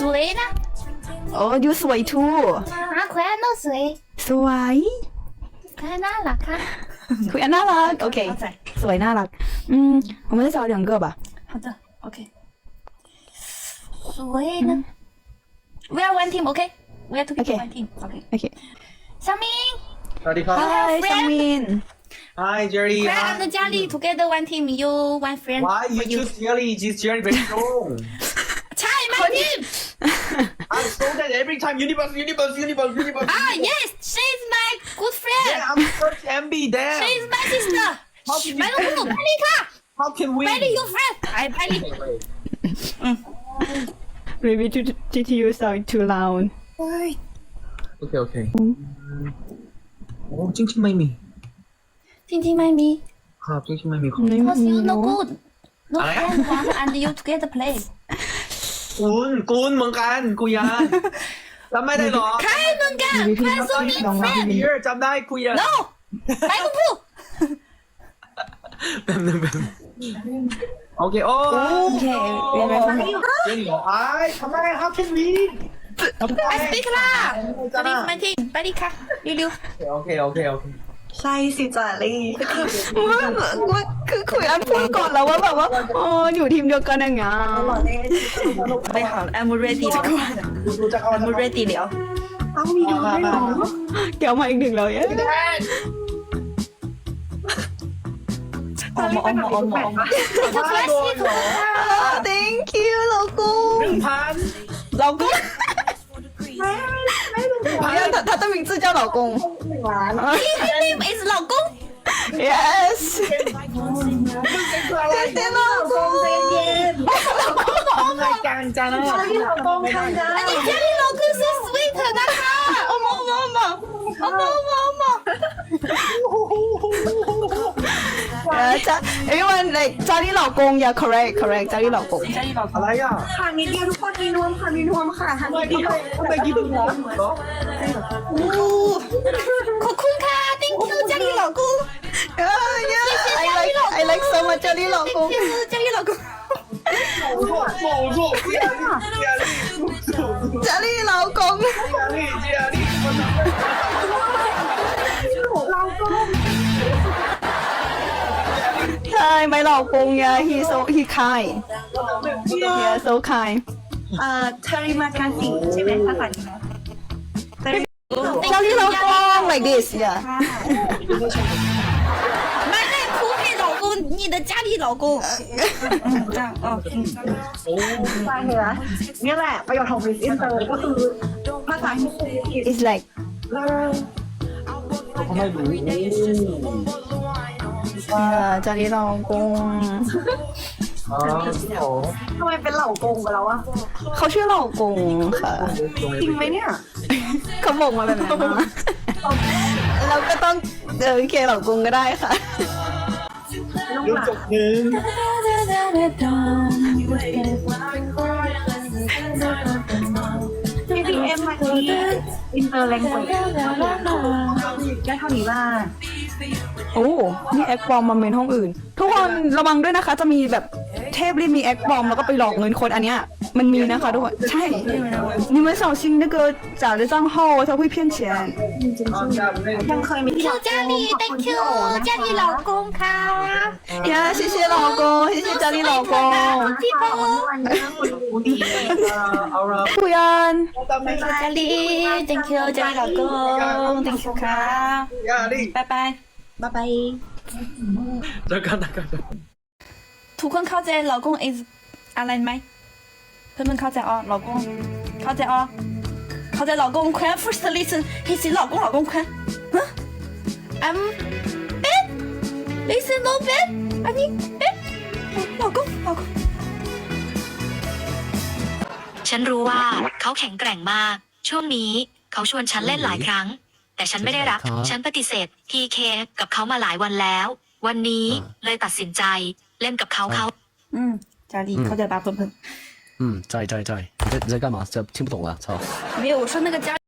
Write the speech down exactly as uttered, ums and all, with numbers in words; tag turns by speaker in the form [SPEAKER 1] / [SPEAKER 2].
[SPEAKER 1] วยนะ
[SPEAKER 2] โอ้ยูสวยทู
[SPEAKER 1] อ่ะคุณอันก็สวย
[SPEAKER 2] สวย
[SPEAKER 1] คุณอันน่ารักค่ะ
[SPEAKER 2] คุยอันน่ารัก OK สวยน่ารัก嗯我们再找两个吧
[SPEAKER 1] 好的 OK สวยนะ We are one team OK We are together one team OK
[SPEAKER 2] OK
[SPEAKER 1] 小明
[SPEAKER 3] สวัสดีครับ
[SPEAKER 2] Hi 香槟
[SPEAKER 3] Hi Jerry
[SPEAKER 1] Fred and Jelly together one team you one friend
[SPEAKER 3] Why you
[SPEAKER 1] for you
[SPEAKER 3] choose Jerry this Jerry very strong
[SPEAKER 1] ใช่ my team
[SPEAKER 3] I saw that every time universe universe universe universe
[SPEAKER 1] Ah yes she's my good friend
[SPEAKER 3] Yeah I'm first M B there
[SPEAKER 1] she's my sister ไม่ต้องพูดไปเลยค่ะ
[SPEAKER 3] How can we
[SPEAKER 1] ไปเลย you friend ไปไปเลย
[SPEAKER 2] Maybe to G T U sound too loud
[SPEAKER 3] Okay okay โอ้จริงจริงไม่มี
[SPEAKER 1] จริงๆไม่มี
[SPEAKER 3] ครับจริงจริงไม่มีครับ
[SPEAKER 1] Because you no good no
[SPEAKER 3] อะไร
[SPEAKER 1] friend one and you together play
[SPEAKER 3] คุณคุณเหมือนกันกุยานจำไม่ได้หรอ
[SPEAKER 1] ใครเหมือนกันใครส่งมี friend
[SPEAKER 3] เยอะจำได้กุยาน
[SPEAKER 1] no ไม่ต้องพูด
[SPEAKER 3] แป๊บนึงแป๊บนึงโอเคโอ้
[SPEAKER 2] OK 原来
[SPEAKER 3] จริงเหรอไอ้ทำไม How can we
[SPEAKER 1] I speak 啦 Jelly my team ไปดิค่ะเร็ว
[SPEAKER 3] โอเคโอเคโอเค
[SPEAKER 4] ใช่สิจารี่
[SPEAKER 2] ว่าว่าคือคุยอันพูดก่อนแล้วว่าแบบว่าอ๋ออยู่ทีมเดียวกันอย่างเงี้ย
[SPEAKER 4] ไม่好 I'm ready ทุกคน
[SPEAKER 3] ดูจะเข้า
[SPEAKER 4] I'm ready แล้ว
[SPEAKER 3] เอามีดูได้หรอ
[SPEAKER 2] เดี๋ยวมาอีกหนึ่งเลยอะ
[SPEAKER 4] ออมออมออมออม
[SPEAKER 1] ๆจะ flash ที่ถูกค่ะ
[SPEAKER 2] Thank you 老公
[SPEAKER 3] หนึ่งพัน
[SPEAKER 2] 老公他他的名字叫老公
[SPEAKER 1] His name is 老公
[SPEAKER 2] Yes
[SPEAKER 3] อะไรเนี่ยเราทำรายการจ้านะ
[SPEAKER 1] อันนี้ Jelly 老公 so sweet นะคะโอ้โมโมโมโอ้โมโมโม
[SPEAKER 2] Yeah 家 everyone like 家里老公 Yeah correct correct 家里老公
[SPEAKER 3] อะไรอ่ะ
[SPEAKER 4] ทางนี้เดียวทุกคนมีนวมค่ะมีนวมค่ะทาง
[SPEAKER 3] ทำไม
[SPEAKER 4] นี้เดียว
[SPEAKER 3] ทำไมกินหัวเหรอ
[SPEAKER 1] ขอบคุณค่ะ thank you Jelly 老公
[SPEAKER 2] Yeah yeah I like I like so much 家里老公
[SPEAKER 1] thank you Jelly 老公
[SPEAKER 3] 我错错我错压力压力
[SPEAKER 2] 家里老公
[SPEAKER 3] 压力压力
[SPEAKER 2] ใช่ my 老公 Yeah he so he kind Yeah so kind
[SPEAKER 4] เอ่อเทริมากาซิใช่ไหมภาษานี้
[SPEAKER 2] 家里老公 like this Yeah
[SPEAKER 1] 买内裤给老公你的家里老公嗯这样哦
[SPEAKER 4] ใช่เหรอนี่แหละประโยชน์ของ Miss Inter ก็คือภาษาที่
[SPEAKER 2] It's like
[SPEAKER 3] ทำไมรู้
[SPEAKER 2] Yeah 家里老公
[SPEAKER 3] อ๋อ
[SPEAKER 4] ทำไมเป็นเหล่ากงไปแล้วอะ
[SPEAKER 2] เขาชื่อเหล่ากงค่ะ
[SPEAKER 4] จริงไหมเนี่ย
[SPEAKER 2] เขาบอกมาแบบนั้นนะเราก็ต้องเออโอเคเหล่ากงก็ได้ค่ะ
[SPEAKER 3] ยุดจบหนึ่ง
[SPEAKER 4] พี่พีเอ็มมาที่อินเตอร์แลงเกจได้เท่านี้ว่า
[SPEAKER 2] โอ้มีแอคบอมมาเมนห้องอื่น ทุกคนระวังด้วยนะคะ จะมีแบบเทพรีบมีแอคบอมแล้วก็ไปหลอกเงินคนอันเนี้ยมันมีนะคะทุกคนใช่你们小心那个假的账号他会骗钱
[SPEAKER 4] ยังเคยมีที่
[SPEAKER 1] Thank you Jelly thank you Jelly 老公ค่ะ
[SPEAKER 2] 呀谢谢老公谢谢家里老公
[SPEAKER 1] พี่โบ
[SPEAKER 3] เอาละ
[SPEAKER 2] คุยอัน
[SPEAKER 1] Jelly thank you Jelly 老公 thank you ค่ะ
[SPEAKER 3] 压力
[SPEAKER 1] 拜拜
[SPEAKER 4] บ๊ายบาย
[SPEAKER 3] เจอกันนะครับ
[SPEAKER 1] ทุกคนเข้าใจ老公 is อะไรไหมเพื่อนๆเข้าใจอ๋อ老公เข้าใจอ๋อเข้าใจ老公宽 first listen he say 老公老公宽ฮะ I'm bad listen no bad อันนี้ bad 老公老公
[SPEAKER 5] ฉันรู้ว่าเขาแข็งแกร่งมาก ช่วงนี้เขาชวนฉันเล่นหลายครั้ง แต่ฉันไม่ได้รับ ฉันปฏิเสธ พี เค กับเขามาหลายวันแล้ว วันนี้เลยตัดสินใจเล่นกับเขาเขา
[SPEAKER 1] อืม家里เข้าใจ吧เพื่อนๆ
[SPEAKER 6] 嗯，在在在，你在你在干嘛？这听不懂啊！操。
[SPEAKER 1] 没有，我说那个家